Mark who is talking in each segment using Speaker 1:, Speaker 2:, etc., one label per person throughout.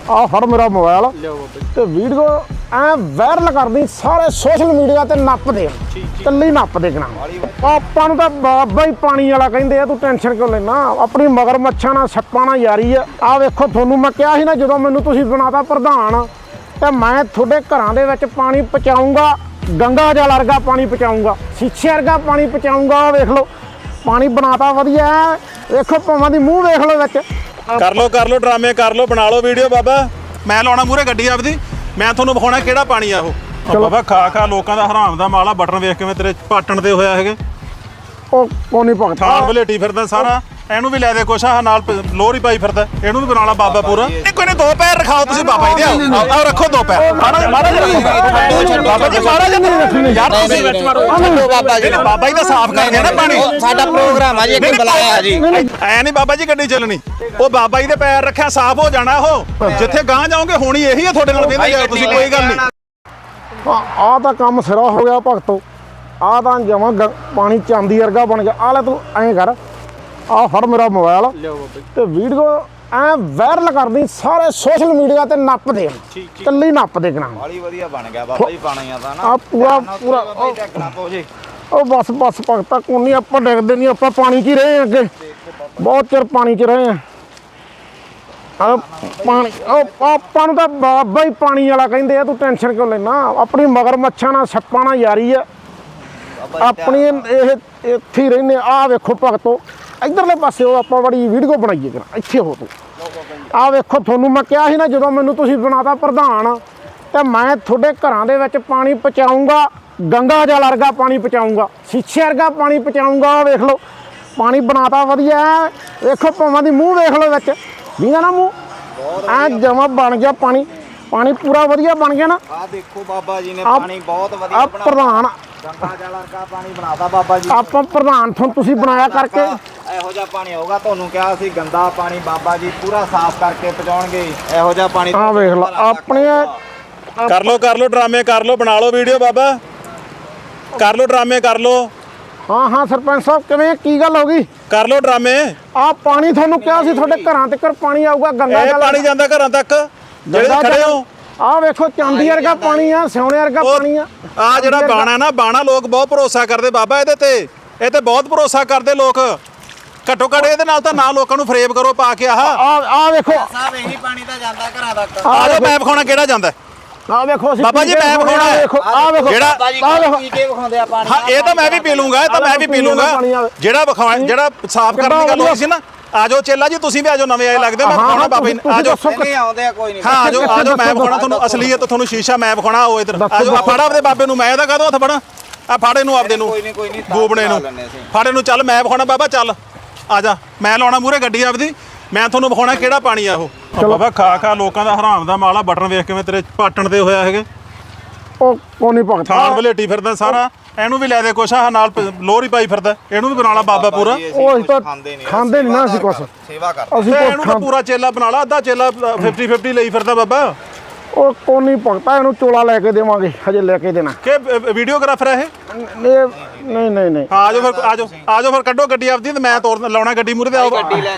Speaker 1: ਆ ਫੜ ਮੇਰਾ ਮੋਬਾਈਲ ਤੇ ਵੀਡੀਓ ਐ ਵਾਇਰਲ ਕਰਦੀ ਸਾਰੇ ਸੋਸ਼ਲ ਮੀਡੀਆ ਤੇ ਨੱਪ ਦੇ ਕੱਲੀ ਨੱਪ ਦੇ ਕਣਾ ਆਪਾਂ ਨੂੰ ਤਾਂ ਬਾਬਾ ਹੀ ਪਾਣੀ ਵਾਲਾ ਕਹਿੰਦੇ ਆ। ਤੂੰ ਟੈਨਸ਼ਨ ਕਿਉਂ ਲੈਣਾ? ਆਪਣੀ ਮਗਰ ਮੱਛਾਂ ਨਾਲ ਸੱਪਾਂ ਨਾਲ ਯਾਰੀ ਆ ਵੇਖੋ ਤੁਹਾਨੂੰ ਮੈਂ ਕਿਹਾ ਸੀ ਨਾ ਜਦੋਂ ਮੈਨੂੰ ਤੁਸੀਂ ਬਣਾਤਾ ਪ੍ਰਧਾਨ ਤੇ ਮੈਂ ਤੁਹਾਡੇ ਘਰਾਂ ਦੇ ਵਿੱਚ ਪਾਣੀ ਪਹੁੰਚਾਊਂਗਾ। ਗੰਗਾ ਜਲ ਵਰਗਾ ਪਾਣੀ ਪਹੁੰਚਾਊਂਗਾ, ਸ਼ੀਸ਼ੇ ਵਰਗਾ ਪਾਣੀ ਪਹੁੰਚਾਊਂਗਾ। ਵੇਖ ਲਓ ਪਾਣੀ ਬਣਾਤਾ ਵਧੀਆ। ਵੇਖੋ ਭਾਵਾਂ ਦੀ ਮੂੰਹ ਵੇਖ ਲਓ ਵਿੱਚ।
Speaker 2: ਕਰ ਲੋ ਡਰਾਮੇ ਕਰ ਲੋ, ਬਣਾ ਲਓ ਵੀਡੀਓ। ਬਾਬਾ ਮੈਂ ਲਾਉਣਾ ਮੂਹਰੇ ਗੱਡੀ ਆਪਦੀ, ਮੈਂ ਤੁਹਾਨੂੰ ਵਿਖਾਉਣਾ ਕਿਹੜਾ ਪਾਣੀ ਆ ਉਹ। ਬਾਬਾ ਖਾ ਲੋਕਾਂ ਦਾ ਹਰਾਮ ਦਾ ਮਾਲਾ ਬਟਨ ਵੇਖ ਕਿਵੇਂ ਤੇਰੇ ਪਾਟਣ ਤੇ ਹੋਇਆ ਹੈਗੇ।
Speaker 1: ਉਹ ਕੋਨੀ ਭਗਤ
Speaker 2: ਥਾਣ ਵਲੇਟੀ ਫਿਰਦਾ ਸਾਰਾ। ਇਹਨੂੰ ਵੀ ਲੈ ਦੇ ਕੁਛ ਆ ਨਾਲ ਲੋਹਰੀ ਪਾਈ ਫਿਰਦਾ, ਇਹਨੂੰ ਵੀ ਬਣਾ ਲਾ ਬਾਬਾ ਪੂਰਾ। ਕੋਈ ਨਹੀਂ, 2 ਪੈਰ ਰਖਾਓ ਤੁਸੀਂ ਬਾਬਾ ਜੀ ਦੇ। ਆਓ ਰੱਖੋ 2 ਪੈਰ। ਬਾਬਾ ਜੀ ਮਹਾਰਾਜ ਨਹੀਂ ਰੱਖਣੀ ਯਾਰ, ਤੁਸੀਂ ਵਿੱਚ ਮਾਰੋ ਬਾਬਾ ਜੀ। ਬਾਬਾ ਜੀ ਤਾਂ ਸਾਫ਼ ਕਰਦੇ ਆ ਨਾ ਪਾਣੀ।
Speaker 3: ਸਾਡਾ ਪ੍ਰੋਗਰਾਮ ਆ ਜੀ, ਇੱਕ ਬੁਲਾਇਆ ਜੀ।
Speaker 2: ਐ ਨਹੀਂ ਬਾਬਾ ਜੀ ਗੱਡੀ ਚੱਲਣੀ। ਉਹ ਬਾਬਾ ਜੀ ਦੇ ਪੈਰ ਰੱਖਿਆ ਸਾਫ਼ ਹੋ ਜਾਣਾ। ਉਹ ਜਿੱਥੇ ਗਾਂ ਜਾਓਗੇ ਹੋਣੀ ਇਹੀ ਆ ਤੁਹਾਡੇ ਨਾਲ। ਕਹਿੰਦੇ ਯਾਰ ਤੁਸੀਂ ਕੋਈ ਗੱਲ ਨਹੀਂ।
Speaker 1: ਆ ਤਾਂ ਕੰਮ ਸਿਰਾ ਹੋ ਗਿਆ ਭਗਤੋ। ਆ ਤਾਂ ਜਮਾਂ ਪਾਣੀ ਚਾਂਦੀ ਵਰਗਾ ਬਣ ਗਿਆ। ਆ ਲੈ ਤੂੰ ਐਂ ਕਰ, ਆ ਫੜ ਮੇਰਾ ਮੋਬਾਈਲ ਤੇ ਵੀਡੀਓ ਐ ਵਾਇਰਲ ਕਰਦੀ ਸਾਰੇ ਸੋਸ਼ਲ ਮੀਡੀਆ ਤੇ ਨੱਪ ਦੇ ਕੱਲੀ ਨੱਪ ਦੇ ਕਣਾ।
Speaker 3: ਬੜੀ ਵਧੀਆ ਬਣ ਗਿਆ ਬਾਬਾ ਜੀ ਪਾਣੀਆਂ ਦਾ ਨਾ।
Speaker 1: ਆ ਪੂਰਾ ਉਹ ਬਸ ਭਗਤਾ ਕੋਨੀ ਆਪਾਂ ਡਿੱਗਦੇ ਨਹੀਂ। ਆਪਾਂ ਪਾਣੀ 'ਚ ਹੀ ਰਹੇ ਆ ਅੱਗੇ, ਬਹੁਤ ਚਿਰ ਪਾਣੀ 'ਚ ਰਹੇ ਆ। ਪਾਣੀ ਉਹ ਆਪਾਂ ਨੂੰ ਤਾਂ ਬਾਬਾ ਹੀ ਪਾਣੀ ਵਾਲਾ ਕਹਿੰਦੇ ਆ। ਤੂੰ ਟੈਨਸ਼ਨ ਕਿਉਂ ਲੈਣਾ? ਆਪਣੀ ਮਗਰ ਮੱਛਾਂ ਨਾਲ ਸੱਪਾਂ ਨਾਲ ਯਾਰੀ ਆ ਆਪਣੀ। ਇਹ ਇੱਥੇ ਹੀ ਰਹਿੰਦੇ। ਆ ਵੇਖੋ ਭਗਤੋ ਇਧਰਲੇ ਪਾਸੇ ਉਹ ਆਪਾਂ ਬੜੀ ਵੀਡੀਓ ਬਣਾਈਏ ਕਰਾਂ। ਇੱਥੇ ਹੋ ਤੂੰ। ਆ ਵੇਖੋ ਤੁਹਾਨੂੰ ਮੈਂ ਕਿਹਾ ਸੀ ਨਾ ਜਦੋਂ ਮੈਨੂੰ ਤੁਸੀਂ ਬਣਾਤਾ ਪ੍ਰਧਾਨ ਤੇ ਮੈਂ ਤੁਹਾਡੇ ਘਰਾਂ ਦੇ ਵਿੱਚ ਪਾਣੀ ਪਹੁੰਚਾਊਂਗਾ। ਗੰਗਾ ਜਲ ਵਰਗਾ ਪਾਣੀ ਪਹੁੰਚਾਊਂਗਾ, ਸ਼ੀਸ਼ੇ ਵਰਗਾ ਪਾਣੀ ਪਹੁੰਚਾਊਂਗਾ। ਵੇਖ ਲਓ ਪਾਣੀ ਬਣਾਤਾ ਵਧੀਆ। ਵੇਖੋ ਭਾਵਾਂ ਦੀ ਮੂੰਹ ਵੇਖ ਲਓ ਵਿੱਚ ਵੀਗਾ ਨਾ ਮੂੰਹ ਐ ਜਮਾ ਬਣ ਗਿਆ ਪਾਣੀ। ਪਾਣੀ ਪੂਰਾ ਵਧੀਆ ਬਣ ਗਿਆ ਨਾ।
Speaker 3: ਆ ਦੇਖੋ ਬਾਬਾ ਜੀ ਨੇ ਪਾਣੀ ਬਹੁਤ ਵਧੀਆ ਬਣਾਇਆ।
Speaker 1: ਪ੍ਰਧਾਨ
Speaker 3: ਗੰਗਾ ਜਲ ਵਰਗਾ ਪਾਣੀ ਬਣਾਤਾ ਬਾਬਾ ਜੀ।
Speaker 1: ਆਪਾਂ ਪ੍ਰਧਾਨ ਤੁਸੀਂ ਬਣਾਇਆ ਕਰਕੇ
Speaker 3: ਇਹੋ ਜਿਹਾ ਪਾਣੀ ਆਊਗਾ। ਤੁਹਾਨੂੰ ਕਿਹਾ ਸੀ ਗੰਦਾ ਪਾਣੀ ਬਾਬਾ ਜੀ ਪੂਰਾ ਸਾਫ਼ ਕਰਕੇ ਪਹੁੰਚਾਉਣਗੇ। ਇਹੋ ਜਿਹਾ ਪਾਣੀ
Speaker 1: ਆ ਵੇਖ ਲਓ ਆਪਣੇ।
Speaker 2: ਕਰ ਲੋ ਡਰਾਮੇ ਕਰ ਲੋ, ਬਣਾ ਲਓ ਵੀਡੀਓ। ਬਾਬਾ ਕਰ ਲੋ ਡਰਾਮੇ ਕਰ ਲੋ।
Speaker 1: ਹਾਂ ਸਰਪੰਚ ਸਾਹਿਬ ਕਿਵੇਂ ਕੀ ਗੱਲ ਹੋ ਗਈ?
Speaker 2: ਕਰ ਲੋ ਡਰਾਮੇ।
Speaker 1: ਆ ਪਾਣੀ ਤੁਹਾਨੂੰ ਕਿਹਾ ਸੀ ਤੁਹਾਡੇ ਘਰਾਂ ਤੱਕ ਪਾਣੀ ਆਊਗਾ। ਗੰਗਾ
Speaker 2: ਇਹ ਪਾਣੀ ਜਾਂਦਾ ਘਰਾਂ ਤੱਕ ਜਿਹੜੇ ਖੜੇ ਹੋ।
Speaker 1: ਆ ਵੇਖੋ ਚਾਂਦੀ ਵਰਗਾ ਪਾਣੀ ਆ, ਸੋਨੇ ਵਰਗਾ ਪਾਣੀ ਆ।
Speaker 2: ਆ ਜਿਹੜਾ ਬਾਣਾ ਨਾ ਬਾਣਾ ਲੋਕ ਬਹੁਤ ਭਰੋਸਾ ਕਰਦੇ ਬਾਬਾ ਇਹਦੇ ਤੇ। ਇਹ ਤੇ ਬਹੁਤ ਭਰੋਸਾ ਕਰਦੇ ਲੋਕ। ਘੱਟੋ ਘੱਟ ਇਹਦੇ ਨਾਲ ਤਾਂ ਨਾ ਲੋਕਾਂ ਨੂੰ ਫਰੇਬ ਕਰੋ ਪਾ ਕੇ।
Speaker 1: ਆ ਵੇਖੋ
Speaker 3: ਸਾਹਿਬ ਇਹੀ ਪਾਣੀ ਤਾਂ ਜਾਂਦਾ ਘਰਾਂ ਤੱਕ।
Speaker 2: ਆ ਜੋ ਮੈਂ ਵਿਖਾਉਣਾ ਕਿਹੜਾ ਜਾਂਦਾ।
Speaker 1: ਆ ਵੇਖੋ
Speaker 2: ਬਾਬਾ ਜੀ ਮੈਂ ਵਿਖਾਉਣਾ।
Speaker 1: ਆ ਵੇਖੋ
Speaker 2: ਜਿਹੜਾ
Speaker 3: ਪੀ ਕੇ ਵਿਖਾਉਂਦੇ ਆ ਪਾਣੀ।
Speaker 2: ਹਾਂ ਇਹ ਤਾਂ ਮੈਂ ਵੀ ਪੀ ਲੂੰਗਾ, ਇਹ ਤਾਂ ਮੈਂ ਵੀ ਪੀ ਲੂੰਗਾ। ਜਿਹੜਾ ਵਿਖਾਉਣਾ ਜਿਹੜਾ ਸਾਫ਼ ਕਰਨ ਦੀ ਗੱਲ ਹੋਈ ਸੀ ਨਾ। ਆਜੋ ਚੇਲਾ ਜੀ ਤੁਸੀਂ ਵੀ ਆਜੋ, ਨਵੇਂ ਆਏ ਲੱਗਦੇ। ਮੈਂ ਵਿਖਾਉਣਾ ਬਾਬਾ ਜੀ। ਆਜੋ
Speaker 3: ਨਹੀਂ ਆਉਂਦੇ ਆ ਕੋਈ ਨਹੀਂ।
Speaker 2: ਹਾਂ ਆਜੋ ਮੈਂ ਵਿਖਾਉਣਾ ਤੁਹਾਨੂੰ ਅਸਲੀਅਤ, ਤੁਹਾਨੂੰ ਸ਼ੀਸ਼ਾ ਮੈਂ ਵਿਖਾਉਣਾ। ਆਓ ਇਧਰ ਆਜੋ। ਫੜ ਆਪਦੇ ਬਾਬੇ ਨੂੰ। ਮੈਂ ਇਹਦਾ ਕਾਹਦੋਂ ਹੱਥ ਫੜਾਂ? ਆ ਫਾੜੇ ਨੂੰ ਆਪਦੇ ਨੂੰ ਗੋਬਣੇ ਨੂੰ ਫਾੜੇ ਨੂੰ। ਚੱਲ ਮੈਂ ਵਿਖਾਉਣਾ ਬਾਬਾ। ਚੱਲ ਆ ਜਾ, ਮੈਂ ਲਾਉਣਾ ਮੂਹਰੇ ਗੱਡੀ ਆਪਦੀ। ਮੈਂ ਤੁਹਾਨੂੰ ਵਿਖਾਉਣਾ ਕਿਹੜਾ ਪਾਣੀ ਆ ਉਹ। ਬਾਬਾ ਖਾ ਲੋਕਾਂ ਦਾ ਹਰਾਮ ਦਾ ਮਾਲਾ ਬਟਨ ਵੇਖ ਕਿਵੇਂ ਤੇਰੇ ਪਾਟਣ ਤੇ ਹੋਇਆ ਹੈਗੇ।
Speaker 1: ਉਹ ਕੋਨੀ ਭਗਤ
Speaker 2: ਥਾਣ ਵਲੇਟੀ ਫਿਰਦਾ ਸਾਰਾ। ਇਹਨੂੰ ਵੀ ਲੈ ਦੇ ਕੁਛ ਆ ਨਾਲ ਲੋਹਰੀ ਪਾਈ ਫਿਰਦਾ, ਇਹਨੂੰ ਵੀ ਬਣਾ ਲਾ ਬਾਬਾ ਪੂਰਾ।
Speaker 1: ਉਹ ਅਸੀਂ ਤਾਂ ਖਾਂਦੇ ਨਹੀਂ ਨਾ ਅਸੀਂ ਕੁਛ।
Speaker 3: ਸੇਵਾ ਕਰਦੇ
Speaker 1: ਅਸੀਂ
Speaker 2: ਇਹਨੂੰ ਤਾਂ ਪੂਰਾ ਚੇਲਾ ਬਣਾ ਲਾ। ਅੱਧਾ ਚੇਲਾ 50-50 ਲਈ ਫਿਰਦਾ ਬਾਬਾ।
Speaker 1: ਉਹ ਕੋਨੀ ਭਗਤਾ ਇਹਨੂੰ ਚੋਲਾ ਲੈ ਕੇ ਦੇਵਾਂਗੇ, ਹਜੇ ਲੈ ਕੇ ਦੇਣਾ।
Speaker 2: ਕਿ ਵੀਡੀਓਗ੍ਰਾਫਰ ਹੈ ਇਹ?
Speaker 1: ਨਹੀਂ।
Speaker 2: ਆਜੋ ਫਿਰ ਆਜੋ ਫਿਰ ਕੱਢੋ ਗੱਡੀ ਆਪਦੀ ਤੇ ਮੈਂ ਤੋਰ ਲਾਉਣਾ ਗੱਡੀ ਮੂਹਰੇ ਤੇ। ਆਓ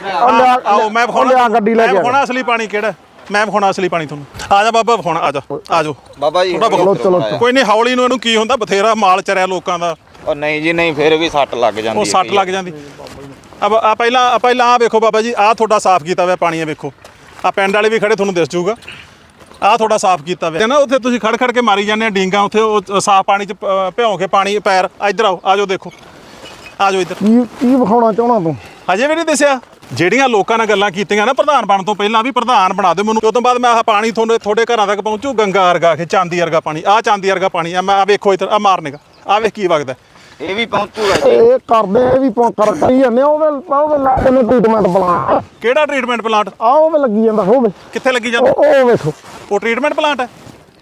Speaker 2: ਮੈਂ ਵਿਖਾਉਣਾ
Speaker 1: ਗੱਡੀ ਲੈ ਕੇ।
Speaker 2: ਮੈਂ ਵਿਖਾਉਣਾ ਅਸਲੀ ਪਾਣੀ ਕਿਹੜਾ। ਮੈਂ ਵਿਖਾਉਣਾ ਅਸਲੀ ਪਾਣੀ ਤੁਹਾਨੂੰ। ਆ ਜਾ ਬਾਬਾ ਵਿਖਾਉਣਾ। ਆਜੋ
Speaker 3: ਬਾਬਾ ਜੀ।
Speaker 1: ਚਲੋ
Speaker 2: ਕੋਈ ਨਹੀਂ, ਹੌਲੀ ਨੂੰ ਇਹਨੂੰ ਕੀ ਹੁੰਦਾ, ਬਥੇਰਾ ਮਾਲ ਚਰਿਆ ਲੋਕਾਂ ਦਾ।
Speaker 3: ਉਹ ਨਹੀਂ ਜੀ ਨਹੀਂ, ਫਿਰ ਵੀ ਸੱਟ ਲੱਗ ਜਾਂਦੀ।
Speaker 2: ਉਹ ਸੱਟ ਲੱਗ ਜਾਂਦੀ। ਆ ਪਹਿਲਾਂ ਆ ਵੇਖੋ ਬਾਬਾ ਜੀ, ਆ ਤੁਹਾਡਾ ਸਾਫ਼ ਕੀਤਾ ਹੋਇਆ ਪਾਣੀ ਆ। ਵੇਖੋ ਆ ਪਿੰਡ ਵਾਲੇ ਵੀ ਖੜੇ, ਤੁਹਾਨੂੰ ਦਿਸ ਜੂਗਾ। ਆ ਤੁਹਾਡਾ ਸਾਫ਼ ਕੀਤਾ ਹੋਇਆ ਨਾ। ਉੱਥੇ ਤੁਸੀਂ ਖੜ ਕੇ ਮਾਰੀ ਜਾਂਦੇ ਆ ਡੀਂਗਾ। ਉੱਥੇ ਉਹ ਸਾਫ਼ ਪਾਣੀ 'ਚ ਭਿਉਂ ਕੇ ਪਾਣੀ ਪੈਰ। ਇੱਧਰ ਆਜੋ ਦੇਖੋ। ਆਜੋ ਇੱਧਰ।
Speaker 1: ਕੀ ਵਿਖਾਉਣਾ ਚਾਹਣਾ ਤੂੰ?
Speaker 2: ਹਜੇ ਵੀ ਨਹੀਂ ਦੱਸਿਆ। ਜਿਹੜੀਆਂ ਲੋਕਾਂ ਨਾਲ ਗੱਲਾਂ ਕੀਤੀਆਂ ਨਾ ਪ੍ਰਧਾਨ ਬਣਨ ਤੋਂ ਪਹਿਲਾਂ ਵੀ ਪ੍ਰਧਾਨ ਬਣਾ ਦਿਓ ਮੈਨੂੰ। ਉਸ ਤੋਂ ਬਾਅਦ ਮੈਂ ਆਹ ਪਾਣੀ ਤੁਹਾਡੇ ਘਰਾਂ ਤੱਕ ਪਹੁੰਚੂ। ਗੰਗਾ ਵਰਗਾ ਕਿ ਚਾਂਦੀ ਵਰਗਾ ਪਾਣੀ। ਆ ਚਾਂਦੀ ਵਰਗਾ ਪਾਣੀ ਆ। ਮੈਂ ਵੇਖੋ ਇੱਧਰ ਆ ਮਾਰਨੇਗਾ। ਆ ਵੇਖ ਕੀ ਵਗਦਾ।
Speaker 3: ਇਹ ਵੀ ਪਹੁੰਚੂਗਾ ਜੀ।
Speaker 1: ਇਹ ਕਰਦੇ ਇਹ ਵੀ ਕਰੀ ਜਾਂਦੇ। ਉਹਦੇ ਲੱਗੇ ਨੇ ਟ੍ਰੀਟਮੈਂਟ ਪਲਾਂਟ।
Speaker 2: ਕਿਹੜਾ ਟ੍ਰੀਟਮੈਂਟ ਪਲਾਂਟ?
Speaker 1: ਆ ਉਹਦੇ ਲੱਗੀ ਜਾਂਦਾ। ਹੋਵੇ
Speaker 2: ਕਿੱਥੇ ਲੱਗੀ ਜਾਂਦਾ?
Speaker 1: ਉਹ ਵੇਖੋ
Speaker 2: ਉਹ ਟ੍ਰੀਟਮੈਂਟ ਪਲਾਂਟ ਹੈ।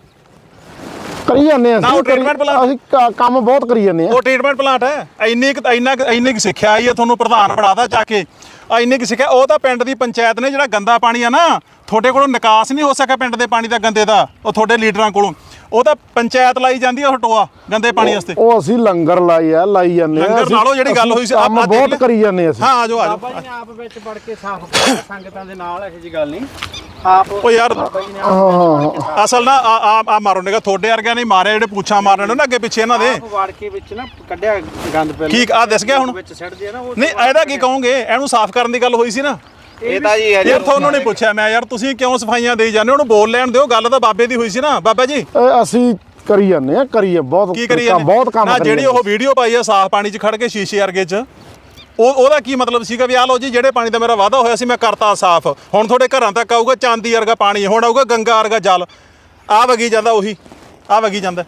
Speaker 1: ਕਰੀ ਜਾਂਦੇ
Speaker 2: ਨਾ, ਉਹ treatment plant।
Speaker 1: ਅਸੀਂ ਕੰਮ ਬਹੁਤ ਕਰੀ ਜਾਂਦੇ ਆ।
Speaker 2: ਉਹ ਟ੍ਰੀਟਮੈਂਟ ਪਲਾਂਟ ਹੈ। ਇੰਨੀ ਸਿੱਖਿਆ ਆਈ ਹੈ ਤੁਹਾਨੂੰ, ਪ੍ਰਧਾਨ ਬਣਾਦਾ ਚੱਕ ਕੇ। ਇੰਨੀ ਕੁ ਸਿੱਖਿਆ। ਉਹ ਤਾਂ ਪਿੰਡ ਦੀ ਪੰਚਾਇਤ ਨੇ ਜਿਹੜਾ ਗੰਦਾ ਪਾਣੀ ਆ ਨਾ, ਤੁਹਾਡੇ ਕੋਲੋਂ ਨਿਕਾਸ ਨਹੀਂ ਹੋ ਸਕਿਆ ਪਿੰਡ ਦੇ ਪਾਣੀ ਦਾ ਗੰਦੇ ਦਾ। ਉਹ ਤੁਹਾਡੇ ਲੀਡਰਾਂ ਕੋਲੋਂ ਉਹ ਤਾਂ ਪੰਚਾਇਤ ਲਾਈ ਜਾਂਦੀ ਆ ਟੋਆ ਗੰਦੇ ਪਾਣੀ ਵਾਸਤੇ।
Speaker 1: ਉਹ ਅਸੀਂ ਲੰਗਰ ਲਾਈ ਜਾਂਦੇ ਆ।
Speaker 2: ਲੰਗਰ ਨਾਲੋਂ ਜਿਹੜੀ ਗੱਲ ਹੋਈ ਸੀ
Speaker 1: ਆਪਾਂ ਬਹੁਤ ਕਰੀ ਜਾਂਦੇ ਅਸੀਂ।
Speaker 2: ਹਾਂ ਆਜੋ
Speaker 4: ਬਾਬਾ ਜੀ ਨੇ ਆਪ ਵਿੱਚ ਵੜ ਕੇ ਸਾਫ਼ ਕਰਦਾ ਸੰਗਤਾਂ ਦੇ ਨਾਲ। ਇਹੋ ਜਿਹੀ ਗੱਲ ਨਹੀਂ।
Speaker 3: ਆਪ
Speaker 2: ਉਹ ਯਾਰ
Speaker 1: ਹਾਂ
Speaker 2: ਅਸਲ ਨਾ ਆ ਮਾਰੋ ਨੇਗਾ ਤੁਹਾਡੇ ਵਰਗਿਆਂ ਨੇ ਮਾਰਿਆ ਜਿਹੜੇ ਪੁੱਛਾਂ ਮਾਰਨੇ ਨੇ ਨਾ ਅੱਗੇ ਪਿੱਛੇ ਇਹਨਾਂ ਦੇ
Speaker 3: ਵਾੜ ਕੇ ਵਿੱਚ ਨਾ ਕੱਢਿਆ ਗੰਦ ਪਹਿਲਾਂ
Speaker 2: ਕੀ ਆ ਦਿਸ ਗਿਆ ਹੁਣ
Speaker 3: ਵਿੱਚ ਸਿੱਟਦੇ ਆ ਨਾ ਉਹ
Speaker 2: ਨਹੀਂ ਇਹਦਾ ਕੀ ਕਹੋਗੇ ਇਹਨੂੰ ਸਾਫ਼ ਕਰਨ ਦੀ ਗੱਲ ਹੋਈ ਸੀ ਨਾ
Speaker 3: ਇਹ ਤਾਂ ਜੀ
Speaker 2: ਯਾਰ ਤੁਹਾਨੂੰ ਨਹੀਂ ਪੁੱਛਿਆ ਮੈਂ ਯਾਰ ਤੁਸੀਂ ਕਿਉਂ ਸਫਾਈਆਂ ਦੇਈ ਜਾਂਦੇ ਹੋ ਉਹਨੂੰ ਬੋਲ ਲੈਣ ਦਿਓ ਗੱਲ ਤਾਂ ਬਾਬੇ ਦੀ ਹੋਈ ਸੀ ਨਾ ਬਾਬਾ ਜੀ
Speaker 1: ਇਹ ਅਸੀਂ ਕਰੀ ਜਾਂਦੇ ਆ ਕਰੀਏ ਬਹੁਤ
Speaker 2: ਕੀ ਕਰੀ
Speaker 1: ਬਹੁਤ ਕੰਮ
Speaker 2: ਨਾ
Speaker 1: ਕਰੀ
Speaker 2: ਜਿਹੜੀ ਉਹ ਵੀਡੀਓ ਪਾਈ ਆ ਸਾਫ਼ ਪਾਣੀ 'ਚ ਖੜ ਕੇ ਸ਼ੀਸ਼ੇ ਵਰਗੇ 'ਚ ਉਹਦਾ ਕੀ ਮਤਲਬ ਸੀਗਾ ਵੀ ਆ ਲਓ ਜੀ ਜਿਹੜੇ ਪਾਣੀ ਦਾ ਮੇਰਾ ਵਾਅਦਾ ਹੋਇਆ ਸੀ ਮੈਂ ਕਰਤਾ ਸਾਫ਼ ਹੁਣ ਤੁਹਾਡੇ ਘਰਾਂ ਤੱਕ ਆਊਗਾ ਚਾਂਦੀ ਵਰਗਾ ਪਾਣੀ ਹੁਣ ਆਊਗਾ ਗੰਗਾ ਵਰਗਾ ਜਲ ਆ ਵਗੀ ਜਾਂਦਾ ਉਹੀ ਆ ਵਗੀ ਜਾਂਦਾ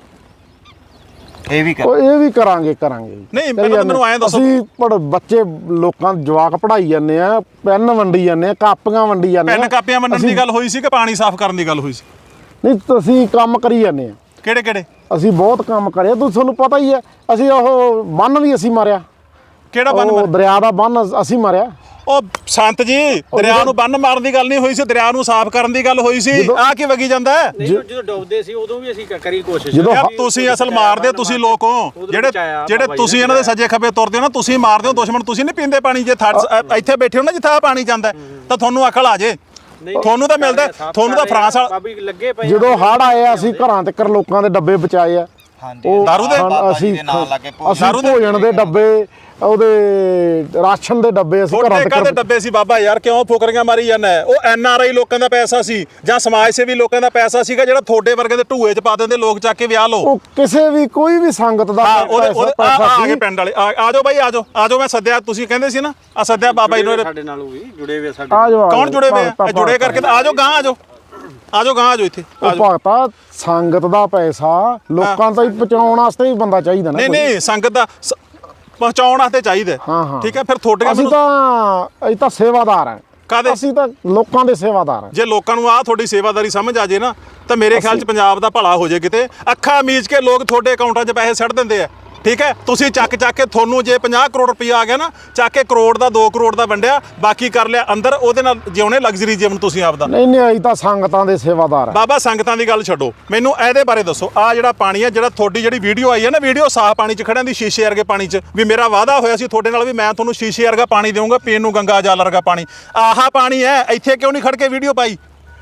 Speaker 3: ਇਹ ਵੀ ਕਰ
Speaker 1: ਇਹ ਵੀ ਕਰਾਂਗੇ
Speaker 2: ਨਹੀਂ ਪਹਿਲਾਂ ਤਾਂ ਮੈਨੂੰ ਐਂ ਦੱਸੋ
Speaker 1: ਅਸੀਂ ਬੱਚੇ ਲੋਕਾਂ ਜਵਾਕ ਪੜਾਈ ਜਾਂਦੇ ਆ ਪੈਨ ਵੰਡੀ ਜਾਂਦੇ ਆ ਕਾਪੀਆਂ ਵੰਡੀ ਜਾਂਦੇ ਆ
Speaker 2: ਪੈਨ ਕਾਪੀਆਂ ਵੰਡਣ ਦੀ ਗੱਲ ਹੋਈ ਸੀ ਕਿ ਪਾਣੀ ਸਾਫ਼ ਕਰਨ ਦੀ ਗੱਲ ਹੋਈ ਸੀ
Speaker 1: ਨਹੀਂ ਤੁਸੀਂ ਕੰਮ ਕਰੀ ਜਾਂਦੇ ਆ
Speaker 2: ਕਿਹੜੇ
Speaker 1: ਅਸੀਂ ਬਹੁਤ ਕੰਮ ਕਰਿਆ ਤੁਹਾਨੂੰ ਪਤਾ ਹੀ ਹੈ ਅਸੀਂ ਉਹ ਬੰਨ ਵੀ ਅਸੀਂ ਮਾਰਿਆ
Speaker 2: ਕਿਹੜਾ ਬੰਨ
Speaker 1: ਉਹ ਦਰਿਆ ਦਾ ਬੰਨ ਅਸੀਂ ਮਾਰਿਆ
Speaker 2: ਉਹ ਸੰਤ ਜੀ ਦਰਿਆ ਨੂੰ ਬੰਨ ਮਾਰਨ ਦੀ ਗੱਲ ਨਹੀਂ ਹੋਈ ਸੀ ਦਰਿਆ ਨੂੰ ਸਾਫ਼ ਕਰਨ ਦੀ ਗੱਲ ਹੋਈ ਸੀ ਆ ਕੀ ਵਗੀ ਜਾਂਦਾ
Speaker 3: ਨਹੀਂ ਜਦੋਂ ਡੁੱਬਦੇ ਸੀ ਉਦੋਂ ਵੀ ਅਸੀਂ ਕਰੀ ਕੋਸ਼ਿਸ਼
Speaker 2: ਯਾਰ ਤੁਸੀਂ ਅਸਲ ਮਾਰਦੇ ਤੁਸੀਂ ਲੋਕ ਹੋ ਜਿਹੜੇ ਤੁਸੀਂ ਇਹਨਾਂ ਦੇ ਸੱਜੇ ਖੱਬੇ ਤੁਰਦੇ ਹੋ ਨਾ ਤੁਸੀਂ ਮਾਰਦੇ ਹੋ ਦੁਸ਼ਮਣ ਤੁਸੀਂ ਨਹੀਂ ਪੀਂਦੇ ਪਾਣੀ ਜੇ ਇੱਥੇ ਬੈਠੇ ਹੋ ਨਾ ਜਿੱਥੇ ਆ ਪਾਣੀ ਜਾਂਦਾ ਤਾਂ ਤੁਹਾਨੂੰ ਅਕਲ ਆ ਜੇ ਤੁਹਾਨੂੰ ਤਾਂ ਮਿਲਦਾ ਤੁਹਾਨੂੰ ਤਾਂ ਫਰਾਂਸ ਵਾਲਾ
Speaker 1: ਜਦੋਂ ਹੜ੍ਹ ਆਏ ਅਸੀਂ ਘਰਾਂ ਤੱਕ ਲੋਕਾਂ ਦੇ ਡੱਬੇ ਬਚਾਏ ਆ
Speaker 3: ਹਾਂਜੀ
Speaker 2: ਦਾਰੂ ਦੇ
Speaker 1: ਅਸੀਂ ਭੋਜਨ ਦੇ ਡੱਬੇ ਉਹਦੇ ਰਾਸ਼ਨ ਦੇ ਡੱਬੇ ਅਸੀਂ ਘਰਾਂ
Speaker 2: ਤੱਕ ਦੇ ਡੱਬੇ ਸੀ ਬਾਬਾ ਯਾਰ ਕਿਉਂ ਫੁਕਰੀਆਂ ਮਾਰੀ ਜਾਂਦਾ ਉਹ NRI ਲੋਕਾਂ ਦਾ ਪੈਸਾ ਸੀ ਜਾਂ ਸਮਾਜ ਸੇਵੀ ਲੋਕਾਂ ਦਾ ਪੈਸਾ ਸੀਗਾ ਜਿਹੜਾ ਤੁਹਾਡੇ ਵਰਗੇ ਦੇ ਢੂਏ 'ਚ ਪਾ ਦਿੰਦੇ ਲੋਕ ਚੱਕ ਕੇ ਵਿਆਹ ਲਓ
Speaker 1: ਉਹ ਕਿਸੇ ਵੀ ਕੋਈ ਵੀ ਸੰਗਤ ਦਾ
Speaker 2: ਆ ਗਏ ਪਿੰਡ ਵਾਲੇ ਆ ਜਾਓ ਬਾਈ ਆ ਜਾਓ ਮੈਂ ਸੱਦਿਆ ਤੁਸੀਂ ਕਹਿੰਦੇ ਸੀ ਨਾ ਆ ਸੱਦਿਆ ਬਾਬਾ ਜੀ ਨੂੰ
Speaker 3: ਸਾਡੇ ਨਾਲ ਵੀ ਜੁੜੇ ਹੋਏ ਸਾਡੇ
Speaker 2: ਕੌਣ ਜੁੜੇ ਹੋਏ ਆ ਜੁੜੇ ਕਰਕੇ ਆ ਜਾਓ ਗਾਂ ਆ ਜਾਓ ਇੱਥੇ
Speaker 1: ਭਗਤਾ ਸੰਗਤ ਦਾ ਪੈਸਾ ਲੋਕਾਂ ਤਾਈਂ ਪਹੁੰਚਾਉਣ ਵਾਸਤੇ ਵੀ ਬੰਦਾ ਚਾਹੀਦਾ ਨਾ
Speaker 2: ਨਹੀਂ ਸੰਗਤ ਦਾ ਪਹੁੰਚਾਉਣ ਵਾਸਤੇ ਚਾਹੀਦਾ ਠੀਕ ਹੈ ਫਿਰ ਤੁਹਾਡੇ
Speaker 1: ਅਸੀਂ ਤਾਂ ਸੇਵਾਦਾਰ ਹਾਂ
Speaker 2: ਕਾਦੇ
Speaker 1: ਅਸੀਂ ਤਾਂ ਲੋਕਾਂ ਦੇ ਸੇਵਾਦਾਰ ਹਾਂ
Speaker 2: ਜੇ ਲੋਕਾਂ ਨੂੰ ਤੁਹਾਡੀ ਸੇਵਾਦਾਰੀ ਸਮਝ ਆ ਜੇ ਨਾ ਤਾਂ ਮੇਰੇ ਖਿਆਲ 'ਚ ਪੰਜਾਬ ਦਾ ਭਲਾ ਹੋ ਜੇ ਕਿਤੇ ਅੱਖਾਂ ਮੀਚ ਕੇ ਲੋਕ ਤੁਹਾਡੇ ਅਕਾਊਂਟਾਂ 'ਚ ਪੈਸੇ ਸੱਟ ਦਿੰਦੇ ਆ ਠੀਕ ਹੈ ਤੁਸੀਂ ਚੱਕ ਕੇ ਤੁਹਾਨੂੰ ਜੇ 50 ਕਰੋੜ ਰੁਪਇਆ ਆ ਗਿਆ ਨਾ ਚੱਕ ਕੇ ਕਰੋੜ ਦਾ 2 ਕਰੋੜ ਦਾ ਵੰਡਿਆ ਬਾਕੀ ਕਰ ਲਿਆ ਅੰਦਰ ਉਹਦੇ ਨਾਲ ਜਿਉਣੇ ਲਗਜ਼ਰੀ ਜੀਵਨ ਤੁਸੀਂ ਆਪਦਾ
Speaker 1: ਨਹੀਂ ਅਸੀਂ ਤਾਂ ਸੰਗਤਾਂ ਦੇ ਸੇਵਾਦਾਰ ਆ
Speaker 2: ਬਾਬਾ ਸੰਗਤਾਂ ਦੀ ਗੱਲ ਛੱਡੋ ਮੈਨੂੰ ਇਹਦੇ ਬਾਰੇ ਦੱਸੋ ਆ ਜਿਹੜਾ ਪਾਣੀ ਆ ਜਿਹੜਾ ਤੁਹਾਡੀ ਜਿਹੜੀ ਵੀਡੀਓ ਆਈ ਹੈ ਨਾ ਵੀਡੀਓ ਸਾਫ਼ ਪਾਣੀ 'ਚ ਖੜਿਆਂ ਦੀ ਸ਼ੀਸ਼ੇ ਵਰਗੇ ਪਾਣੀ 'ਚ ਵੀ ਮੇਰਾ ਵਾਅਦਾ ਹੋਇਆ ਸੀ ਤੁਹਾਡੇ ਨਾਲ ਵੀ ਮੈਂ ਤੁਹਾਨੂੰ ਸ਼ੀਸ਼ੇ ਵਰਗਾ ਪਾਣੀ ਦੇਵਾਂਗਾ ਪੀਣ ਨੂੰ ਗੰਗਾ ਜਲ ਵਰਗਾ ਪਾਣੀ ਆਹਾ ਪਾਣੀ ਹੈ ਇੱਥੇ ਕਿਉਂ ਨਹੀਂ ਖੜ ਕੇ ਵੀਡੀਓ ਪਾਈ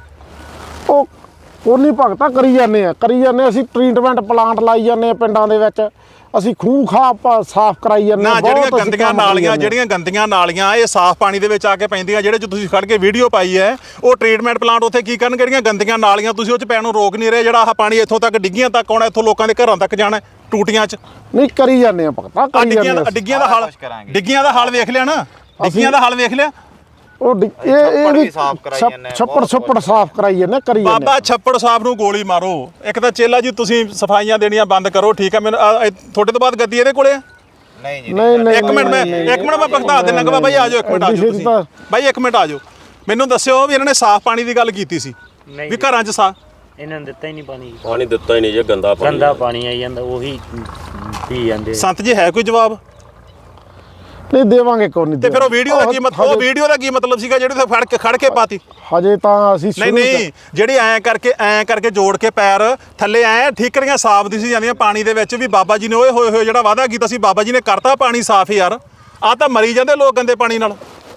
Speaker 1: ਉਹ ਨਹੀਂ ਭਗਤਾ ਕਰੀ ਜਾਂਦੇ ਅਸੀਂ ਟ੍ਰੀਟਮੈਂਟ ਪਲਾਂਟ ਲਾਈ ਜਾਂਦੇ ਆ ਪਿੰਡਾਂ ਦੇ ਵਿੱਚ ਅਸੀਂ ਖੂਹ ਖਾਹ ਸਾਫ਼ ਕਰਾਈ ਜਾਂਦੇ
Speaker 2: ਨਾ ਜਿਹੜੀਆਂ ਗੰਦੀਆਂ ਨਾਲੀਆਂ ਇਹ ਸਾਫ਼ ਪਾਣੀ ਦੇ ਵਿੱਚ ਆ ਕੇ ਪੈਂਦੀਆਂ ਜਿਹੜੇ ਚ ਤੁਸੀਂ ਖੜ ਕੇ ਵੀਡੀਓ ਪਾਈ ਹੈ ਉਹ ਟ੍ਰੀਟਮੈਂਟ ਪਲਾਂਟ ਉੱਥੇ ਕੀ ਕਰਨ ਜਿਹੜੀਆਂ ਗੰਦੀਆਂ ਨਾਲੀਆਂ ਤੁਸੀਂ ਉਹ ਚ ਪੈਣ ਨੂੰ ਰੋਕ ਨਹੀਂ ਰਹੇ ਜਿਹੜਾ ਆਹ ਪਾਣੀ ਇੱਥੋਂ ਤੱਕ ਡਿੱਗੀਆਂ ਤੱਕ ਆਉਣਾ ਇੱਥੋਂ ਲੋਕਾਂ ਦੇ ਘਰਾਂ ਤੱਕ ਜਾਣਾ ਟੂਟੀਆਂ 'ਚ
Speaker 1: ਨਹੀਂ ਕਰੀ ਜਾਂਦੇ ਆ ਭਗਤਾ
Speaker 2: ਡਿੱਗੀਆਂ ਦਾ ਹਾਲ ਵੇਖ ਲਿਆ ਨਾ ਡਿੱਗੀਆਂ ਦਾ ਹਾਲ ਵੇਖ ਲਿਆ
Speaker 1: ਉਹ ਇਹ ਵੀ ਛੱਪੜ ਸਾਫ਼ ਕਰਾਈ ਜਾਂਦੇ ਕਰੀ ਜਾਂਦੇ
Speaker 2: ਬਾਬਾ ਛੱਪੜ ਸਾਫ਼ ਨੂੰ ਗੋਲੀ ਮਾਰੋ ਇੱਕ ਤਾਂ ਚੇਲਾ ਜੀ ਤੁਸੀਂ ਸਫਾਈਆਂ ਦੇਣੀਆਂ ਬੰਦ ਕਰੋ ਠੀਕ ਹੈ ਮੈਨੂੰ ਤੁਹਾਡੇ ਤੋਂ ਬਾਅਦ ਗੱਦੀ ਇਹਦੇ ਕੋਲੇ ਆ
Speaker 3: ਨਹੀਂ ਜੀ
Speaker 1: ਨਹੀਂ
Speaker 2: ਇੱਕ ਮਿੰਟ ਮੈਂ ਭਗਤਾ ਦੇਣਾ ਬਾਬਾ ਜੀ ਆ ਜਾਓ ਇੱਕ ਮਿੰਟ ਆ ਜਾਓ ਤੁਸੀਂ ਬਾਈ ਇੱਕ ਮਿੰਟ ਆ ਜਾਓ ਮੈਨੂੰ ਦੱਸਿਓ ਵੀ ਇਹਨਾਂ ਨੇ ਸਾਫ਼ ਪਾਣੀ ਦੀ ਗੱਲ ਕੀਤੀ ਸੀ ਵੀ ਘਰਾਂ 'ਚ ਸਾਫ਼
Speaker 4: ਇਹਨਾਂ ਨੇ ਦਿੱਤਾ ਹੀ ਨਹੀਂ
Speaker 5: ਪਾਣੀ ਦਿੱਤਾ ਹੀ ਨਹੀਂ ਜੇ ਗੰਦਾ
Speaker 4: ਪਾਣੀ ਆਈ ਜਾਂਦਾ ਉਹੀ ਪੀ ਜਾਂਦੇ
Speaker 2: ਸੰਤ ਜੀ ਹੈ ਕੋਈ ਜਵਾਬ
Speaker 1: ਨਹੀਂ ਦੇਵਾਂਗੇ ਕੋਈ ਨਹੀਂ
Speaker 2: ਤੇ ਫਿਰ ਉਹ ਵੀਡੀਓ ਦਾ ਕੀ ਮਤਲਬ ਸੀਗਾ ਜਿਹੜੀ ਉੱਥੇ ਖੜ ਕੇ ਪਾਤੀ
Speaker 1: ਹਜੇ ਤਾਂ ਅਸੀਂ
Speaker 2: ਨਹੀਂ ਜਿਹੜੀ ਐਂ ਕਰਕੇ ਜੋੜ ਕੇ ਪੈਰ ਥੱਲੇ ਐ ਠੀਕਰੀਆਂ ਸਾਫ਼ ਦਿਸੀ ਜਾਂਦੀਆਂ ਪਾਣੀ ਦੇ ਵਿੱਚ ਵੀ ਬਾਬਾ ਜੀ ਨੇ ਹੋਏ ਜਿਹੜਾ ਵਾਅਦਾ ਕੀਤਾ ਸੀ ਬਾਬਾ ਜੀ ਨੇ ਕਰਤਾ ਪਾਣੀ ਸਾਫ਼ ਯਾਰ ਆ ਤਾਂ ਮਰੀ ਜਾਂਦੇ ਲੋਕ ਗੰਦੇ ਪਾਣੀ ਨਾਲ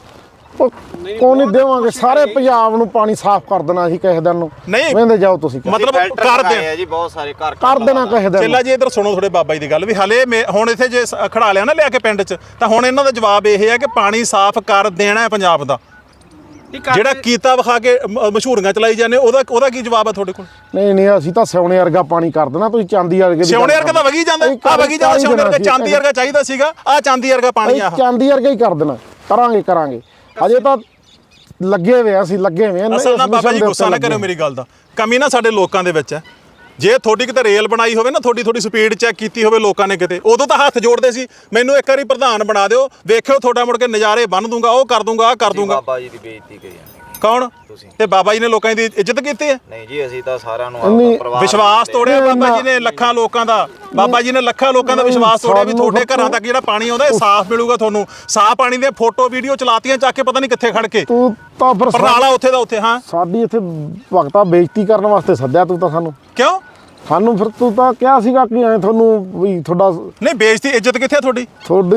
Speaker 1: ਕੋਈ ਨਹੀਂ ਦੇਵਾਂਗੇ ਸਾਰੇ ਪੰਜਾਬ ਨੂੰ ਪਾਣੀ ਸਾਫ਼ ਕਰ ਦੇਣਾ ਅਸੀਂ ਕਿਸੇ ਦਿਨ ਨੂੰ
Speaker 2: ਨਹੀਂ
Speaker 1: ਵੇਂਦੇ ਜਾਓ ਤੁਸੀਂ
Speaker 2: ਮਤਲਬ ਕਰ ਦੇ
Speaker 3: ਜੀ ਬਹੁਤ ਸਾਰੇ
Speaker 1: ਕਰ ਦੇਣਾ ਕਿਸੇ ਦਿਨ
Speaker 2: ਚੇਲਾ ਜੀ ਇੱਧਰ ਸੁਣੋ ਥੋੜੇ ਬਾਬਾ ਜੀ ਦੀ ਗੱਲ ਵੀ ਹਲੇ ਹੁਣ ਇੱਥੇ ਜੇ ਖੜਾ ਲਿਆ ਨਾ ਲਿਆ ਕੇ ਪਿੰਡ 'ਚ ਤਾਂ ਹੁਣ ਇਹਨਾਂ ਦਾ ਜਵਾਬ ਇਹ ਹੈ ਕਿ ਪਾਣੀ ਸਾਫ਼ ਕਰ ਦੇਣਾ ਹੈ ਪੰਜਾਬ ਦਾ ਜਿਹੜਾ ਕੀਤਾ ਵਿਖਾ ਕੇ ਮਸ਼ਹੂਰੀਆਂ ਚਲਾਈ ਜਾਂਦੇ ਉਹਦਾ ਕੀ ਜਵਾਬ ਹੈ ਤੁਹਾਡੇ ਕੋਲ
Speaker 1: ਨਹੀਂ ਅਸੀਂ ਤਾਂ ਸਿਉਣੇ ਵਰਗਾ ਪਾਣੀ ਕਰ ਦੇਣਾ ਤੁਸੀਂ ਚਾਂਦੀ ਵਰਗੇ
Speaker 2: ਸਿਉਣੇ ਵਰਗਾ ਤਾਂ ਵਗੀ ਜਾਂਦਾ ਸਿਉਣੇ ਵਰਗਾ ਚਾਂਦੀ ਵਰਗਾ ਚਾਹੀਦਾ ਸੀਗਾ ਆ ਚਾਂਦੀ ਵਰਗਾ ਪਾਣੀ ਆ
Speaker 1: ਚਾਂਦੀ ਵਰਗਾ ਹੀ ਕਰ ਦੇਣਾ ਕਰਾਂਗੇ ਹਜੇ ਤਾਂ ਲੱਗੇ ਹੋਏ ਅਸੀਂ ਲੱਗੇ ਹੋਏ ਆ
Speaker 2: ਅਸਲ ਨਾਲ ਬਾਬਾ ਜੀ ਗੁੱਸਾ ਨਾ ਕਰਿਓ ਮੇਰੀ ਗੱਲ ਦਾ ਕਮੀ ਨਾ ਸਾਡੇ ਲੋਕਾਂ ਦੇ ਵਿੱਚ ਹੈ ਜੇ ਤੁਹਾਡੀ ਕਿਤੇ ਰੇਲ ਬਣਾਈ ਹੋਵੇ ਨਾ ਥੋੜੀ ਸਪੀਡ ਚੈੱਕ ਕੀਤੀ ਹੋਵੇ ਲੋਕਾਂ ਨੇ ਕਿਤੇ ਉਦੋਂ ਤਾਂ ਹੱਥ ਜੋੜਦੇ ਸੀ ਮੈਨੂੰ ਇੱਕ ਵਾਰੀ ਪ੍ਰਧਾਨ ਬਣਾ ਦਿਓ ਵੇਖਿਓ ਤੁਹਾਡਾ ਮੁੜ ਕੇ ਨਜ਼ਾਰੇ ਬੰਨ ਦੂੰਗਾ ਉਹ ਕਰ ਦੂੰਗਾ ਆਹ ਕਰ ਦੂੰਗਾ
Speaker 3: ਬਾਬਾ ਜੀ ਦੀ ਬੇਇੱਜ਼ਤੀ ਕਰੀ ਜਾਂਦੇ
Speaker 2: ਕੌਣ ਤੇ ਬਾਬਾ ਜੀ ਨੇ ਲੋਕਾਂ ਦੀ ਇੱਜ਼ਤ ਕੀਤੀ ਹੈ
Speaker 3: ਨਹੀਂ ਜੀ ਅਸੀਂ ਤਾਂ ਸਾਰਿਆਂ ਨੂੰ
Speaker 2: ਵਿਸ਼ਵਾਸ ਤੋੜਿਆ ਬਾਬਾ ਜੀ ਨੇ ਲੱਖਾਂ ਲੋਕਾਂ ਦਾ ਵਿਸ਼ਵਾਸ ਤੋੜਿਆ ਵੀ ਤੁਹਾਡੇ ਘਰਾਂ ਤੱਕ ਜਿਹੜਾ ਪਾਣੀ ਆਉਂਦਾ ਇਹ ਸਾਫ਼ ਮਿਲੂਗਾ ਤੁਹਾਨੂੰ ਸਾਫ਼ ਪਾਣੀ ਦੀਆਂ ਫੋਟੋ ਵੀਡੀਓ ਚਲਾਤੀਆਂ ਚੱਕ ਕੇ ਪਤਾ ਨਹੀਂ ਕਿੱਥੇ ਖੜ ਕੇ
Speaker 1: ਤੂੰ ਤਾਂ ਫਿਰ
Speaker 2: ਪਰਨਾਲਾ ਉੱਥੇ ਦਾ ਉੱਥੇ ਹਾਂ
Speaker 1: ਸਾਡੀ ਇੱਥੇ ਭਗਤਾ ਬੇਇੱਜ਼ਤੀ ਕਰਨ ਵਾਸਤੇ ਸੱਦਿਆ ਤੂੰ ਤਾਂ ਸਾਨੂੰ
Speaker 2: ਕਿਉਂ
Speaker 1: ਸਾਨੂੰ ਫਿਰ ਤੂੰ ਤਾਂ ਕਿਹਾ ਸੀਗਾ ਕਿ ਐ ਤੁਹਾਨੂੰ ਵੀ ਤੁਹਾਡਾ
Speaker 2: ਨਹੀਂ ਬੇਇੱਜ਼ਤੀ ਇੱਜ਼ਤ ਕਿੱਥੇ ਆ ਤੁਹਾਡੀ?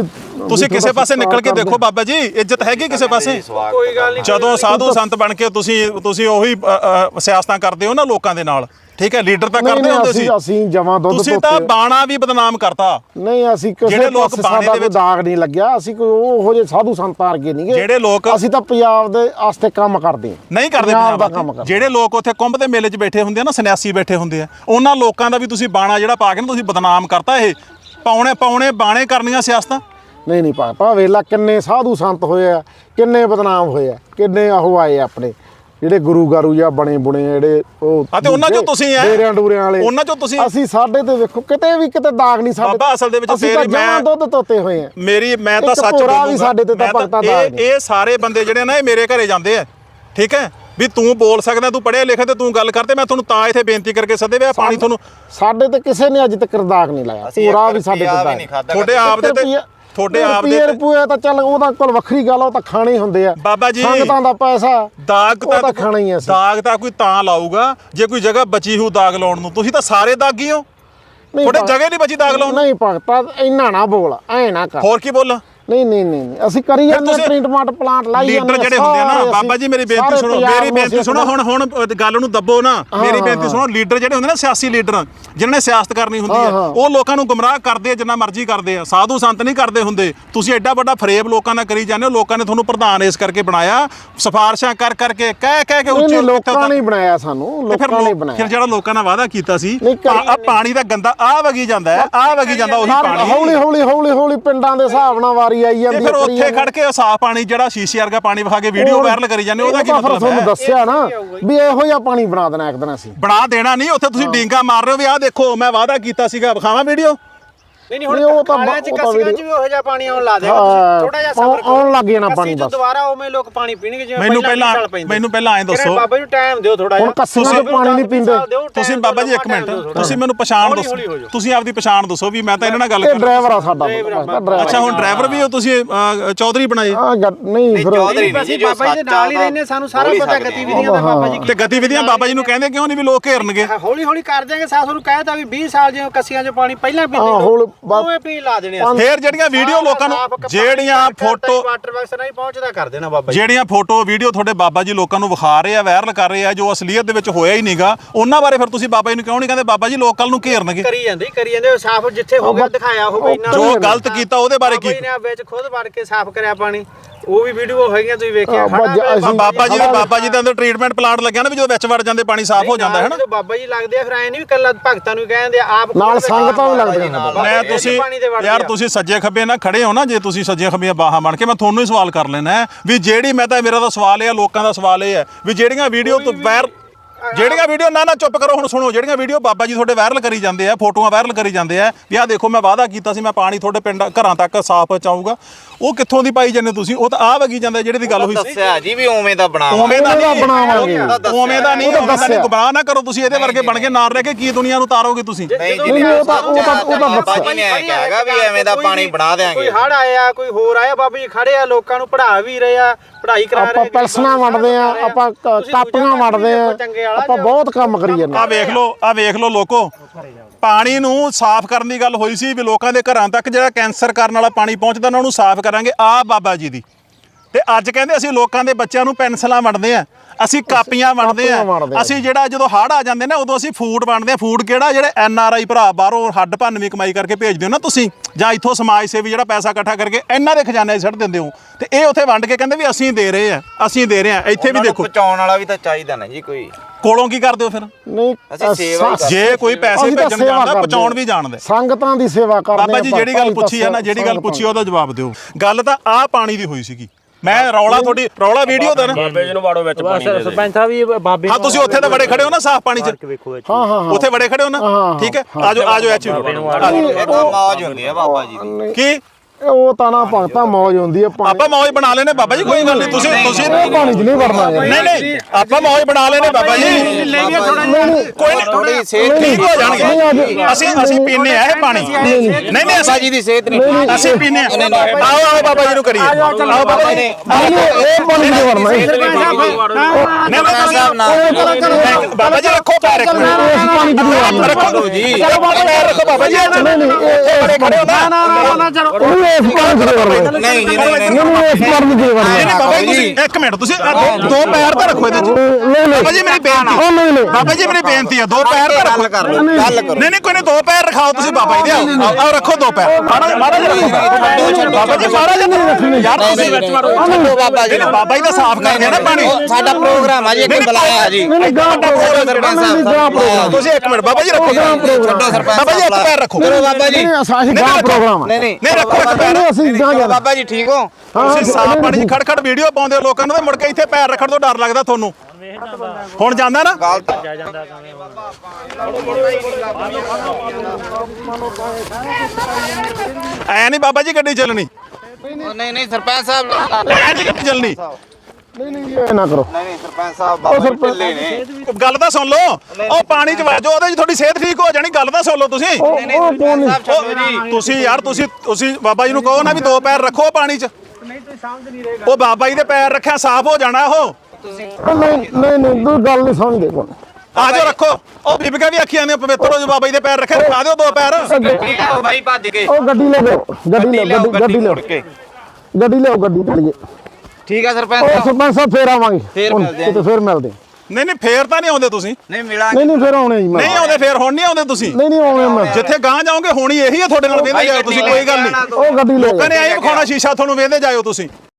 Speaker 2: ਤੁਸੀਂ ਕਿਸੇ ਪਾਸੇ ਨਿਕਲ ਕੇ ਦੇਖੋ ਬਾਬਾ ਜੀ, ਇੱਜ਼ਤ ਹੈਗੀ ਕਿਸੇ ਪਾਸੇ?
Speaker 3: ਕੋਈ ਗੱਲ ਨਹੀਂ।
Speaker 2: ਜਦੋਂ ਸਾਧੂ ਸੰਤ ਬਣ ਕੇ ਤੁਸੀਂ ਉਹੀ ਸਿਆਸਤਾਂ ਕਰਦੇ ਹੋ ਨਾ ਲੋਕਾਂ ਦੇ ਨਾਲ, ਠੀਕ ਹੈ, ਲੀਡਰ ਤਾਂ ਕਰਦੇ ਹੁੰਦੇ ਸੀ।
Speaker 1: ਅਸੀਂ ਜਮਾਂ ਦੁੱਧ
Speaker 2: ਤੁਸੀਂ ਤਾਂ ਬਾਣਾ ਵੀ ਬਦਨਾਮ ਕਰਤਾ।
Speaker 1: ਨਹੀਂ ਅਸੀਂ ਕਿਸੇ
Speaker 2: ਜਿਹੜੇ ਲੋਕ ਬਾਣੇ ਦੇ ਵਿੱਚ
Speaker 1: ਦਾਗ ਨਹੀਂ ਲੱਗਿਆ, ਅਸੀਂ ਕੋਈ ਉਹੋ ਜਿਹੇ ਸਾਧੂ ਸੰਤਾਂ ਵਰਗੇ ਨਹੀਂ ਗੇ।
Speaker 2: ਜਿਹੜੇ ਲੋਕ
Speaker 1: ਅਸੀਂ ਤਾਂ ਪੰਜਾਬ ਦੇ ਵਾਸਤੇ ਕੰਮ ਕਰਦੇ
Speaker 2: ਨਹੀਂ ਕਰਦੇ
Speaker 1: ਪੰਜਾਬ ਦਾ ਕੰਮ ਕਰਦੇ।
Speaker 2: ਜਿਹੜੇ ਲੋਕ ਉੱਥੇ ਕੁੰਭ ਦੇ ਮੇਲੇ 'ਚ ਬੈਠੇ ਹੁੰਦੇ ਆ ਨਾ, ਸੰਨਿਆਸੀ ਬੈਠੇ ਹੁੰਦੇ ਆ, ਉਹਨਾਂ ਲੋਕਾਂ ਦਾ ਵੀ ਤੁਸੀਂ ਬਾਣਾ ਜਿਹੜਾ ਪਾ ਕੇ ਨਾ ਤੁਸੀਂ ਬਦਨਾਮ ਕਰਤਾ। ਇਹ ਪਾਉਣੇ ਬਾਣੇ ਕਰਨੀਆਂ ਸਿਆਸਤਾਂ
Speaker 1: ਨਹੀਂ ਪਾ ਵੇਲਾ ਕਿੰਨੇ ਸਾਧੂ ਸੰਤ ਹੋਏ ਆ, ਕਿੰਨੇ ਬਦਨਾਮ ਹੋਏ ਆ, ਕਿੰਨੇ ਉਹ ਆਏ ਆਪਣੇ ਜਿਹੜੇ ਗੁਰੂ ਗਾਰੂ ਜਾਂ ਬਣੇ ਬੁਣੇ ਜਿਹੜੇ ਉਹ
Speaker 2: ਤੇ ਉਹਨਾਂ ਚੋਂ ਤੁਸੀਂ ਐ
Speaker 1: ਡੇਰਿਆਂ ਡੂਰਿਆਂ ਵਾਲੇ, ਉਹਨਾਂ
Speaker 2: ਚੋਂ ਤੁਸੀਂ।
Speaker 1: ਅਸੀਂ ਸਾਡੇ ਤੇ ਵੇਖੋ ਕਿਤੇ ਵੀ ਕਿਤੇ ਦਾਗ ਨਹੀਂ ਸਾਡੇ
Speaker 2: ਬਾਬਾ ਅਸਲ ਦੇ ਵਿੱਚ
Speaker 1: ਅਸੀਂ ਤਾਂ ਜਮਾਂ ਦੁੱਧ ਤੋਤੇ ਹੋਏ ਆ।
Speaker 2: ਮੈਂ ਤਾਂ ਸੱਚ
Speaker 1: ਬੋਲੂੰਗਾ ਵੀ ਸਾਡੇ ਤੇ ਤਾਂ ਭਗਤਾਂ ਦਾ
Speaker 2: ਇਹ ਸਾਰੇ ਬੰਦੇ ਜਿਹੜੇ ਨਾ ਇਹ ਮੇਰੇ ਘਰੇ ਜਾਂਦੇ ਆ, ਠੀਕ ਹੈ, ਵੀ ਤੂੰ ਬੋਲ ਸਕਦਾ, ਤੂੰ ਪੜ੍ਹਿਆ ਲਿਖਿਆ ਤੇ ਤੂੰ ਗੱਲ ਕਰਦੇ, ਮੈਂ ਤੁਹਾਨੂੰ ਤਾਂ ਇੱਥੇ ਬੇਨਤੀ ਕਰਕੇ ਸੱਦੇ ਵੇ ਪਾਣੀ ਤੁਹਾਨੂੰ।
Speaker 1: ਸਾਡੇ ਤੇ ਕਿਸੇ ਨੇ ਅੱਜ ਤੱਕ ਦਾਗ ਨਹੀਂ ਲਾਇਆ, ਪੂਰਾ ਵੀ ਸਾਡੇ ਤੇ ਦਾਗ।
Speaker 2: ਤੁਹਾਡੇ ਆਪ ਦੇ ਤੇ ਤੁਹਾਡੇ ਆਪ ਦੇ
Speaker 1: ਰੁਪਏ ਤਾਂ ਚੱਲ ਉਹਦਾ ਕੋਲ ਵੱਖਰੀ ਗੱਲ, ਉਹ ਤਾਂ ਖਾਣੇ ਹੁੰਦੇ ਆ
Speaker 2: ਬਾਬਾ ਜੀ।
Speaker 1: ਸੰਗਤਾਂ ਦਾ ਪੈਸਾ
Speaker 2: ਦਾਗ
Speaker 1: ਤਾਂ ਖਾਣਾ ਹੀ ਆ।
Speaker 2: ਦਾਗ ਤਾਂ ਕੋਈ ਤਾਂ ਲਾਊਗਾ ਜੇ ਕੋਈ ਜਗ੍ਹਾ ਬਚੀ ਹੋ ਦਾਗ ਲਾਉਣ ਨੂੰ। ਤੁਸੀਂ ਤਾਂ ਸਾਰੇ ਦਾਗੀ ਹੋ, ਤੁਹਾਡੇ ਜਗ੍ਹਾ ਨਹੀਂ ਬਚੀ ਦਾਗ ਲਾਉਣ ਨੂੰ।
Speaker 1: ਨਹੀਂ ਭਗਤਾ ਇੰਨਾ ਨਾ ਬੋਲ, ਐ ਨਾ ਕਰ।
Speaker 2: ਹੋਰ ਕੀ ਬੋਲਾਂ?
Speaker 1: ਨਹੀਂ ਅਸੀਂ ਕਰੀ ਜਾਂਦੇ ਟ੍ਰੀਟਮੈਂਟ ਪਲਾਂਟ ਲਾਈ ਜਾਂਦੇ।
Speaker 2: ਲੀਡਰ ਜਿਹੜੇ ਹੁੰਦੇ ਆ ਨਾ ਬਾਬਾ ਜੀ, ਮੇਰੀ ਬੇਨਤੀ ਸੁਣੋ, ਮੇਰੀ ਬੇਨਤੀ ਸੁਣੋ, ਹੁਣ ਗੱਲ ਨੂੰ ਦੱਬੋ ਨਾ। ਮੇਰੀ ਬੇਨਤੀ ਸੁਣੋ, ਲੀਡਰ ਜਿਹੜੇ ਹੁੰਦੇ ਨਾ, ਸਿਆਸੀ ਲੀਡਰ ਜਿਨ੍ਹਾਂ ਨੇ ਸਿਆਸਤ ਕਰਨੀ ਹੁੰਦੀ ਆ, ਉਹ ਲੋਕਾਂ ਨੂੰ ਗੁੰਮਰਾਹ ਕਰਦੇ ਆ ਜਿੰਨਾ ਮਰਜ਼ੀ ਕਰਦੇ ਆ, ਸਾਧੂ ਸੰਤ ਨਹੀਂ ਕਰਦੇ ਹੁੰਦੇ। ਤੁਸੀਂ ਐਡਾ ਵੱਡਾ ਫਰੇਬ ਲੋਕਾਂ ਨਾਲ ਕਰੀ ਜਾਂਦੇ ਹੋ। ਲੋਕਾਂ ਨੇ ਤੁਹਾਨੂੰ ਪ੍ਰਧਾਨ ਇਸ ਕਰਕੇ ਬਣਾਇਆ, ਸਿਫਾਰਿਸ਼ਾਂ ਕਰਕੇ ਕਹਿ ਕੇ ਉੱਚੇ
Speaker 1: ਲੋਕਾਂ ਨੇ ਬਣਾਇਆ ਸਾਨੂੰ, ਲੋਕਾਂ ਨੇ ਬਣਾਇਆ।
Speaker 2: ਫਿਰ ਜਿਹੜਾ ਲੋਕਾਂ ਨਾਲ ਵਾਅਦਾ ਕੀਤਾ ਸੀ, ਆ ਪਾਣੀ ਦਾ ਗੰਦਾ ਆ ਵਗੀ ਜਾਂਦਾ ਹੈ, ਆ ਵਗੀ ਜਾਂਦਾ ਉਹੀ ਪਾਣੀ।
Speaker 1: ਹੌਲੀ ਪਿੰਡਾਂ ਦੇ ਹਿਸਾਬ ਨਾਲ ਵਾਰੀ ਆਈ ਜਾਂਦੀ ਹੈ।
Speaker 2: ਉੱਥੇ ਖੜ ਕੇ ਸਾਫ਼ ਪਾਣੀ ਜਿਹੜਾ ਸ਼ੀਸ਼ੇ ਵਰਗਾ ਪਾਣੀ ਵਿਖਾ ਕੇ ਵੀਡੀਓ ਵਾਇਰਲ ਕਰੀ ਜਾਂਦੇ, ਉਹਦਾ ਕੀ ਮਤਲਬ ਹੈ?
Speaker 1: ਤੁਹਾਨੂੰ ਦੱਸਿਆ ਨਾ ਵੀ ਇਹੋ ਜਿਹਾ ਪਾਣੀ ਬਣਾ ਦੇਣਾ ਇੱਕ ਦਿਨ ਅਸੀਂ।
Speaker 2: ਬਣਾ ਦੇਣਾ ਨਹੀਂ, ਉੱਥੇ ਤੁਸੀਂ ਡੀਂਗਾ ਮਾਰ ਰਹੇ ਹੋ ਵੀ ਆਹ ਦੇਖੋ ਮੈਂ ਵਾਅਦਾ ਕੀਤਾ ਸੀਗਾ, ਵਿਖਾਵਾਂ ਵੀਡੀਓ।
Speaker 3: ਨਹੀਂ ਹੁਣ ਕਾਲਿਆਂ ਚ ਕੱਸੀਆਂ ਚ ਵੀ ਉਹੋ ਜਿਹਾ ਪਾਣੀ ਆਉਣ ਲਾ ਦੇਗਾ, ਤੁਸੀਂ ਥੋੜਾ ਜਿਹਾ ਸਬਰ ਕਰੋ,
Speaker 1: ਆਉਣ ਲੱਗ ਜਾਣਾ ਪਾਣੀ ਬਸ।
Speaker 3: ਦੁਬਾਰਾ ਉਵੇਂ ਲੋਕ ਪਾਣੀ ਪੀਣਗੇ ਜਿਵੇਂ
Speaker 2: ਮੈਨੂੰ ਪਹਿਲਾਂ ਐਂ ਦੱਸੋ
Speaker 3: ਬਾਬਾ ਜੀ ਟਾਈਮ ਦਿਓ ਥੋੜਾ ਜਿਹਾ।
Speaker 1: ਹੁਣ ਕੱਸੀਆਂ ਤੋਂ ਪਾਣੀ ਨਹੀਂ ਪੀਂਦੇ
Speaker 2: ਤੁਸੀਂ ਬਾਬਾ ਜੀ। ਇੱਕ ਮਿੰਟ, ਤੁਸੀਂ ਮੈਨੂੰ ਪਛਾਣ ਦੱਸੋ, ਤੁਸੀਂ ਆਪਦੀ ਪਛਾਣ ਦੱਸੋ ਵੀ ਮੈਂ ਤਾਂ ਇਹਨਾਂ ਨਾਲ ਗੱਲ ਕਰ।
Speaker 1: ਡਰਾਈਵਰ ਆ ਸਾਡਾ।
Speaker 2: ਅੱਛਾ ਹੁਣ ਡਰਾਈਵਰ ਵੀ ਹੋ ਤੁਸੀਂ? ਚੌਧਰੀ ਬਣਾਏ?
Speaker 1: ਨਹੀਂ ਫਿਰ
Speaker 3: ਅਸੀਂ ਬਾਬਾ ਜੀ ਦੇ ਨਾਲ ਹੀ ਰਹਿੰਦੇ, ਸਾਨੂੰ ਸਾਰਾ ਪਤਾ ਗਤੀਵਿਧੀਆਂ ਦਾ ਬਾਬਾ ਜੀ।
Speaker 2: ਤੇ ਗਤੀਵਿਧੀਆਂ ਬਾਬਾ ਜੀ ਨੂੰ ਕਹਿੰਦੇ ਕਿਉਂ ਨਹੀਂ ਵੀ ਲੋਕ ਘੇਰਨਗੇ?
Speaker 3: ਹੌਲੀ ਕਰ ਦਿਆਂਗੇ। ਸਾਸੂ ਨੂੰ ਕਹਿਤਾ ਵੀ 20 ਸਾਲ ਜਿਵੇਂ ਕੱਸੀਆਂ ਚ ਪਾਣੀ ਪਹਿਲਾਂ ਪੀਂਦੇ ਪੀ ਲਾ ਦੇਣੇ।
Speaker 2: ਫੇਰ ਜਿਹੜੀਆਂ ਵੀਡੀਓ ਲੋਕਾਂ ਨੂੰ, ਜਿਹੜੀਆਂ ਫੋਟੋ
Speaker 3: ਵਾਟਰ ਬਾਕਸ ਨਹੀਂ ਪਹੁੰਚਦਾ ਕਰ ਦੇਣਾ ਬਾਬਾ ਜੀ।
Speaker 2: ਜਿਹੜੀਆਂ ਫੋਟੋ ਵੀਡੀਓ ਤੁਹਾਡੇ ਬਾਬਾ ਜੀ ਲੋਕਾਂ ਨੂੰ ਵਿਖਾ ਰਹੇ ਆ, ਵਾਇਰਲ ਕਰ ਰਹੇ ਆ, ਜੋ ਅਸਲੀਅਤ ਦੇ ਵਿੱਚ ਹੋਇਆ ਹੀ ਨਹੀਂਗਾ, ਉਹਨਾਂ ਬਾਰੇ ਫਿਰ ਤੁਸੀਂ ਬਾਬਾ ਜੀ ਨੂੰ ਕਿਉਂ ਨਹੀਂ ਕਹਿੰਦੇ ਬਾਬਾ ਜੀ ਲੋਕਾਂ ਨੂੰ ਘੇਰਨਗੇ?
Speaker 3: ਕਰੀ ਜਾਂਦੇ ਸਾਫ਼ ਜਿੱਥੇ ਹੋਵੇ ਦਿਖਾਇਆ ਹੋਵੇ।
Speaker 2: ਜੋ ਗਲਤ ਕੀਤਾ ਉਹਦੇ ਬਾਰੇ ਕੀ?
Speaker 3: ਬਾਬਾ ਜੀ ਨੇ ਵਿੱਚ ਖੁਦ ਵੜ ਕੇ ਸਾਫ਼ ਕਰਿਆ ਪਾਣੀ, ਉਹ ਵੀ ਵੀਡੀਓ ਹੈਗੀਆਂ ਤੁਸੀਂ ਵੇਖਿਆ।
Speaker 2: ਬਾਬਾ ਜੀ ਦੇ ਅੰਦਰ ਟ੍ਰੀਟਮੈਂਟ ਪਲਾਂਟ ਲੱਗਿਆ ਨਾ, ਵੀ ਜਦੋਂ ਵਿੱਚ ਵੜ ਜਾਂਦੇ ਪਾਣੀ ਸਾਫ਼ ਹੋ ਜਾਂਦਾ ਹੈ ਨਾ।
Speaker 3: ਬਾਬਾ ਜੀ ਲੱਗਦੇ ਆ, ਫਿਰ ਐ ਨਹੀਂ ਵੀ ਕੱਲਾ ਭਗਤਾਂ ਨੂੰ ਕਹਿੰਦੇ ਆਪ
Speaker 1: ਨਾਲ ਸੰਗਤਾਂ ਨੂੰ ਲੱਗਦੇ ਆ।
Speaker 2: ਮੈਂ ਤੁਸੀਂ ਸੱਜੇ ਖੱਬੇ ਨਾ ਖੜੇ ਹੋ ਨਾ, ਜੇ ਤੁਸੀਂ ਸੱਜੇ ਖੱਬੀਆਂ ਬਾਹਾਂ ਬਣ ਕੇ, ਮੈਂ ਤੁਹਾਨੂੰ ਹੀ ਸਵਾਲ ਕਰ ਲੈਣਾ ਵੀ ਜਿਹੜੀ ਮੇਰਾ ਤਾਂ ਸਵਾਲ ਇਹ ਆ, ਲੋਕਾਂ ਦਾ ਸਵਾਲ ਇਹ ਹੈ ਵੀ ਜਿਹੜੀਆਂ ਵੀਡੀਓ ਤੋਂ ਜਿਹੜੀਆਂ ਵੀਡੀਓ ਨਾ ਚੁੱਪ ਕਰੋ, ਹੁਣ ਸੁਣੋ, ਜਿਹੜੀਆਂ ਵੀਡੀਓ ਬਾਬਾ ਜੀ ਤੁਹਾਡੇ ਵਾਇਰਲ ਕਰੀ ਜਾਂਦੇ ਆ, ਫੋਟੋਆਂ ਵਾਇਰਲ ਕਰੀ ਜਾਂਦੇ ਆ ਵੀ ਆਹ ਦੇਖੋ ਮੈਂ ਵਾਅਦਾ ਕੀਤਾ ਸੀ, ਮੈਂ ਪਾਣੀ ਤੁਹਾਡੇ ਪਿੰਡ ਘਰਾਂ ਤੱਕ ਸਾਫ਼ ਪਹੁੰਚਾਊਗਾ, ਉਹ ਕਿੱਥੋਂ ਦੀ ਪਾਈ ਜਾਂਦੇ ਤੁਸੀਂ? ਉਹ ਤਾਂ ਆ ਵਗੀ ਜਾਂਦਾ ਜਿਹੜੇ ਦੀ ਗੱਲ ਹੋਈ ਸੀ।
Speaker 3: ਦੱਸਿਆ ਜੀ ਵੀ ਉਵੇਂ ਦਾ ਬਣਾਵਾਂਗੇ,
Speaker 2: ਉਵੇਂ ਦਾ ਨਹੀਂ ਗੁਬਾਹ ਨਾ ਕਰੋ ਤੁਸੀਂ, ਇਹਦੇ ਵਰਗੇ ਬਣ ਕੇ ਨਾਲ ਰਹਿ ਕੇ ਕੀ ਦੁਨੀਆ ਨੂੰ ਤਾਰੋਗੇ ਤੁਸੀਂ?
Speaker 3: ਬਾਬਾ ਜੀ ਨੇ ਕਹਾਗਾ ਵੀ ਐਵੇਂ ਦਾ ਪਾਣੀ ਬਣਾ ਦੇਾਂਗੇ। ਕੋਈ ਹੜ ਆਇਆ, ਕੋਈ ਹੋਰ ਆਇਆ, ਬਾਬਾ ਜੀ ਖੜੇ ਆ, ਲੋਕਾਂ ਨੂੰ ਪੜ੍ਹਾ ਵੀ ਰਹੇ ਆ, ਪੜ੍ਹਾਈ ਕਰਾ ਰਹੇ।
Speaker 1: ਆਪਾਂ ਪੈਲਸਨਾਂ ਵੰਡਦੇ ਆ, ਆਪਾਂ ਕਾਪੀਆਂ ਵੰਡਦੇ ਆ, ਆਪਾਂ ਬਹੁਤ ਕੰਮ ਕਰੀ ਜਾਂਦੇ।
Speaker 2: ਆ ਵੇਖ ਲਓ ਲੋਕੋ, ਪਾਣੀ ਨੂੰ ਸਾਫ਼ ਕਰਨ ਦੀ ਗੱਲ ਹੋਈ ਸੀ ਵੀ ਲੋਕਾਂ ਦੇ ਘਰਾਂ ਤੱਕ ਜਿਹੜਾ ਕੈਂਸਰ ਕਰਨ ਵਾਲਾ ਪਾਣੀ ਪਹੁੰਚਦਾ ਉਹਨਾਂ ਨੂੰ ਸਾਫ਼ ਕਰਾਂਗੇ, ਆ ਬਾਬਾ ਜੀ ਦੀ। ਤੇ ਅੱਜ ਕਹਿੰਦੇ ਅਸੀਂ ਲੋਕਾਂ ਦੇ ਬੱਚਿਆਂ ਨੂੰ ਪੈਨਸਲਾਂ ਵੰਡਦੇ ਆ, ਅਸੀਂ ਕਾਪੀਆਂ ਵੰਡਦੇ ਆ, ਅਸੀਂ ਜਿਹੜਾ ਜਦੋਂ ਹੜ੍ਹ ਆ ਜਾਂਦੇ ਨਾ ਉਦੋਂ ਅਸੀਂ ਫੂਡ ਵੰਡਦੇ ਆ। ਫੂਡ ਕਿਹੜਾ? ਜਿਹੜੇ NRI ਭਰਾ ਬਾਹਰੋਂ ਹੱਡ ਭੰਨਵੀਂ ਕਮਾਈ ਕਰਕੇ ਭੇਜਦੇ ਹੋ ਨਾ ਤੁਸੀਂ, ਜਾਂ ਇੱਥੋਂ ਸਮਾਜ ਸੇਵੀ ਜਿਹੜਾ ਪੈਸਾ ਇਕੱਠਾ ਕਰਕੇ ਇਹਨਾਂ ਦੇ ਖਜ਼ਾਨੇ 'ਚ ਸੁੱਟ ਦਿੰਦੇ ਹੋ, ਤੇ ਇਹ ਉੱਥੇ ਵੰਡ ਕੇ ਕਹਿੰਦੇ ਵੀ ਅਸੀਂ ਦੇ ਰਹੇ ਆ। ਇੱਥੇ ਵੀ ਦੇਖੋ,
Speaker 3: ਪਹੁੰਚਾਉਣ ਵਾਲਾ ਵੀ ਤਾਂ ਚਾਹੀਦਾ ਨਾ ਜੀ ਕੋਈ।
Speaker 2: ਕੋਲੋਂ ਕੀ ਕਰਦੇ ਹੋ ਫਿਰ?
Speaker 1: ਨਹੀਂ
Speaker 2: ਜੇ ਕੋਈ ਪੈਸੇ ਭੇਜਣ ਜਾਣਦਾ, ਪਹੁੰਚਾਉਣ ਵੀ ਜਾਣਦਾ।
Speaker 1: ਸੰਗਤਾਂ ਦੀ ਸੇਵਾ ਕਰਦੇ।
Speaker 2: ਬਾਬਾ ਜੀ ਜਿਹੜੀ ਗੱਲ ਪੁੱਛੀ ਹੈ ਨਾ, ਜਿਹੜੀ ਗੱਲ ਪੁੱਛੀ ਉਹਦਾ ਜਵਾਬ ਦਿਓ। ਗੱਲ ਤਾਂ ਆਹ ਪਾਣੀ ਦੀ ਹੋਈ ਸੀਗੀ। ਮੈਂ ਰੌਲਾ ਵੀਡੀਓ ਦਾ ਨਾ
Speaker 5: ਬਾਬੇ ਜੀ ਨੂੰ ਵਾੜੋ ਵਿੱਚ ਪਾਣੀ ਦੇ।
Speaker 4: ਸਰਪੰਚ ਸਾਹਿਬ ਵੀ ਬਾਬੇ
Speaker 2: ਹਾਂ, ਤੁਸੀਂ ਉੱਥੇ ਤਾਂ ਬੜੇ ਖੜੇ ਹੋ ਨਾ ਸਾਫ਼ ਪਾਣੀ 'ਚ।
Speaker 1: ਹਾਂ
Speaker 2: ਉੱਥੇ ਬੜੇ ਖੜੇ ਹੋ ਨਾ, ਠੀਕ ਹੈ, ਆਜੋ ਐਚ
Speaker 3: ਮੌਜ ਹੁੰਦੀ ਹੈ ਬਾਬਾ ਜੀ ਦੀ।
Speaker 2: ਕੀ
Speaker 1: ਉਹ ਤਾਂ ਨਾ ਭਗਤਾ ਮੌਜ ਹੁੰਦੀ ਹੈ।
Speaker 2: ਆਪਾਂ ਮੌਜ ਬਣਾ ਲੈਨੇ ਬਾਬਾ ਜੀ, ਕੋਈ ਗੱਲ ਨਹੀਂ। ਤੁਸੀਂ
Speaker 1: ਪਾਣੀ 'ਚ ਨਹੀਂ ਵੜਨਾ।
Speaker 2: ਨਹੀਂ ਆਪਾਂ ਮੌਜ ਬਣਾ ਲੈਨੇ ਬਾਬਾ ਜੀ, ਕੋਈ
Speaker 3: ਥੋੜੀ ਸਿਹਤ
Speaker 2: ਠੀਕ ਹੋ ਜਾਣਗੇ। ਅਸੀਂ ਪੀਨੇ ਆ ਇਹ ਪਾਣੀ। ਨਹੀਂ
Speaker 3: ਬਾਬਾ ਜੀ ਦੀ ਸਿਹਤ ਨਹੀਂ,
Speaker 2: ਅਸੀਂ ਪੀਨੇ ਆ। ਆਓ ਬਾਬਾ ਜੀ ਨੂੰ ਕਰੀਏ। ਆਓ ਬਾਬਾ ਜੀ,
Speaker 1: ਇਹ ਪਾਣੀ 'ਚ ਨਹੀਂ ਵੜਨਾ।
Speaker 2: ਬਾਬਾ ਜੀ ਰੱਖੋ ਪੈਰ ਇੱਕ ਮਿੰਟ।
Speaker 1: ਪਾਣੀ ਕਿਉਂ ਆ
Speaker 2: ਰੱਖੋ ਜੀ ਚਲੋ ਬਾਬਾ ਪੈਰ ਰੱਖੋ ਬਾਬਾ ਜੀ
Speaker 1: ਨਹੀਂ ਨਹੀਂ ਇਹ ਬੜੇ ਖੜੇ ਹੋ ਨਾ ਚਲੋ ਉਹ ਇਸ ਪਾਣੀ ਕਿਉਂ ਵੜਦੇ
Speaker 3: ਨਹੀਂ ਜੀ
Speaker 1: ਨਹੀਂ ਇਸ ਪਾਣੀ ਕਿਉਂ ਵੜਦੇ
Speaker 2: ਨਹੀਂ ਬਾਬਾ ਜੀ ਇੱਕ ਮਿੰਟ ਤੁਸੀਂ ਦੋ ਪੈਰ ਤਾਂ ਰੱਖੋ ਇਹਦੇ ਚ
Speaker 1: ਨਹੀਂ ਨਹੀਂ
Speaker 2: ਬਾਬਾ ਜੀ ਮੇਰੀ ਬੇਨਤੀ
Speaker 1: ਉਹ ਨਹੀਂ ਨਹੀਂ
Speaker 2: ਬਾਬਾ ਜੀ ਮੇਰੀ ਬੇਨਤੀ ਹੈ ਦੋ ਪੈਰ ਤਾਂ ਰੱਖੋ
Speaker 3: ਕਰ ਲਓ ਗੱਲ ਕਰੋ
Speaker 2: ਨਹੀਂ ਨਹੀਂ ਕੋਈ ਨਹੀਂ ਦੋ ਪੈਰ ਰਖਾਓ ਤੁਸੀਂ ਬਾਬਾ ਜੀ ਦੇ ਆਓ ਰੱਖੋ ਦੋ ਪੈਰ ਮਹਾਰਾਜ ਰੱਖੋ ਬਾਬਾ ਜੀ ਮਹਾਰਾਜ ਨਹੀਂ ਰੱਖਣੇ ਯਾਰ ਤੁਸੀਂ ਵਿੱਚ ਮਾਰੋ
Speaker 3: ਬਾਬਾ ਜੀ
Speaker 2: ਬਾਬਾ ਜੀ ਦਾ ਸਾਫ਼ ਕਰ ਗਿਆ ਨਾ ਪਾਣੀ
Speaker 3: ਸਾਡਾ ਪ੍ਰੋਗਰਾਮ ਆ ਜੀ ਇੱਕ ਬੁਲਾਇਆ ਜੀ
Speaker 1: ਨਹੀਂ ਗਾਂ
Speaker 3: ਸਰਪੰਚ ਸਾਹਿਬ
Speaker 2: ਤੁਸੀਂ ਇੱਕ ਮਿੰਟ ਬਾਬਾ ਜੀ ਰੱਖੋ
Speaker 3: ਛੱਡੋ ਸਰਪੰਚ
Speaker 2: ਬਾਬਾ ਜੀ ਇੱਕ ਪੈਰ ਰੱਖੋ
Speaker 3: ਚਲੋ ਬਾਬਾ ਜੀ
Speaker 1: ਅਸਾਹੀ ਗਾਂ ਪ੍ਰੋਗਰਾਮ
Speaker 3: ਨਹੀਂ ਨਹੀਂ
Speaker 2: ਨਹੀਂ ਰੱਖੋ ਇੱਕ ਪੈਰ
Speaker 1: ਅਸੀਂ ਗਾਂ ਜਾ
Speaker 3: ਬਾਬਾ ਜੀ ਠੀਕ ਹੋ
Speaker 2: ਤੁਸੀਂ ਸਾਫ਼ ਪਾਣੀ 'ਚ ਖੜ ਵੀਡੀਓ ਪਾਉਂਦੇ ਹੋ ਲੋਕਾਂ ਨੂੰ ਤੇ ਮੁੜ ਕੇ ਇੱਥੇ ਪੈਰ ਰੱਖਣ ਤੋਂ ਡਰ ਲੱਗਦਾ ਤੁਹਾਨੂੰ ਹੁਣ ਜਾਂਦਾ ਨਾ
Speaker 4: ਜਾ ਜਾਂਦਾ ਕਾਵੇਂ
Speaker 2: ਐ ਨਹੀਂ ਬਾਬਾ ਜੀ ਗੱਡੀ ਚੱਲਣੀ
Speaker 3: ਨਹੀਂ ਨਹੀਂ ਸਰਪੰਚ ਸਾਹਿਬ
Speaker 2: ਐ ਨਹੀਂ ਗੱਡੀ ਚੱਲਣੀ
Speaker 1: ਨਹੀਂ ਨਹੀਂ ਇਹ ਨਾ ਕਰੋ
Speaker 3: ਨਹੀਂ ਸਰਪੰਚ ਸਾਹਿਬ ਬਾਬਾ ਢਿੱਲੇ ਨੇ
Speaker 2: ਗੱਲ ਤਾਂ ਸੁਣ ਲਓ ਉਹ ਪਾਣੀ 'ਚ ਵਜੋ ਉਹਦੇ 'ਚ ਤੁਹਾਡੀ ਸਿਹਤ ਠੀਕ ਹੋ ਜਾਣੀ ਗੱਲ ਤਾਂ ਸੁਣ ਲਓ ਤੁਸੀਂ
Speaker 1: ਉਹ ਕੌਣ ਨਹੀਂ
Speaker 3: ਸਾਹਿਬ ਛੱਡੋ ਜੀ
Speaker 2: ਤੁਸੀਂ ਯਾਰ ਤੁਸੀਂ ਬਾਬਾ ਜੀ ਨੂੰ ਕਹੋ ਨਾ ਵੀ ਦੋ ਪੈਰ ਰੱਖੋ ਪਾਣੀ 'ਚ ਨਹੀਂ ਤੁਸੀਂ ਸਮਝ ਨਹੀਂ ਰਹੇ ਉਹ ਬਾਬਾ ਜੀ ਦੇ ਪੈਰ ਰੱਖਿਆ ਸਾਫ਼ ਹੋ ਜਾਣਾ ਉਹ
Speaker 1: ਨਹੀਂ ਨਹੀਂ ਤੂੰ ਗੱਲ ਨਹੀਂ ਸਮਝਦੇ ਕੋਣ
Speaker 2: ਆ ਜਾਓ ਰੱਖੋ ਉਹ ਬੀਬੀਆਂ ਵੀ ਆਖੀਆਂ ਨੇ ਪਵਿੱਤਰ ਹੋ ਜੋ ਬਾਬਾ ਜੀ ਦੇ ਪੈਰ ਰੱਖੇ ਰਖਾ ਦਿਓ ਦੋ ਪੈਰ
Speaker 3: ਭਾਈ ਭੱਜ ਕੇ
Speaker 1: ਉਹ ਗੱਡੀ ਲੈ ਲਓ ਗੱਡੀ ਲੈ ਗੱਡੀ ਲੈ ਗੱਡੀ ਲਿਆਓ ਗੱਡੀ ਚਲੀਏ
Speaker 3: ਠੀਕ ਆ ਸਰਪੰਚ
Speaker 1: ਉਹ
Speaker 3: ਸਾਹਿਬ
Speaker 1: ਸਰਪੰਚ ਸਾਹਿਬ ਫੇਰ ਆਵਾਂਗੇ
Speaker 3: ਫੇਰ ਮਿਲਦੇ ਆਂ।
Speaker 1: ਕਿਤੇ ਫੇਰ ਮਿਲਦੇ
Speaker 2: ਨਹੀਂ ਨਹੀਂ ਫੇਰ ਤਾਂ ਨਹੀਂ ਆਉਂਦੇ ਤੁਸੀਂ
Speaker 3: ਨਹੀਂ ਮਿਲਾਂਗੇ
Speaker 1: ਨਹੀਂ ਫੇਰ ਆਉਣੇ ਜੀ ਮੈਂ
Speaker 2: ਨਹੀਂ ਆਉਂਦੇ ਫੇਰ ਹੁਣ ਨਹੀਂ ਆਉਂਦੇ ਤੁਸੀਂ
Speaker 1: ਨਹੀਂ ਆਉਣੇ ਮੈਂ
Speaker 2: ਜਿੱਥੇ ਗਾਂ ਜਾਓਗੇ ਹੋਣੀ ਇਹੀ ਹੈ ਤੁਹਾਡੇ ਨਾਲ ਵੇਂਦੇ ਜਾਓ ਤੁਸੀਂ ਕੋਈ ਗੱਲ ਨਹੀਂ
Speaker 1: ਉਹ ਗੱਡੀ ਲੈ
Speaker 2: ਲੋਕਾਂ ਨੇ ਆਏ ਵਿਖਾਉਣਾ ਸ਼ੀਸ਼ਾ ਤੁਹਾਨੂੰ ਵੇਂਦੇ ਜਾਇਓ ਤੁਸੀਂ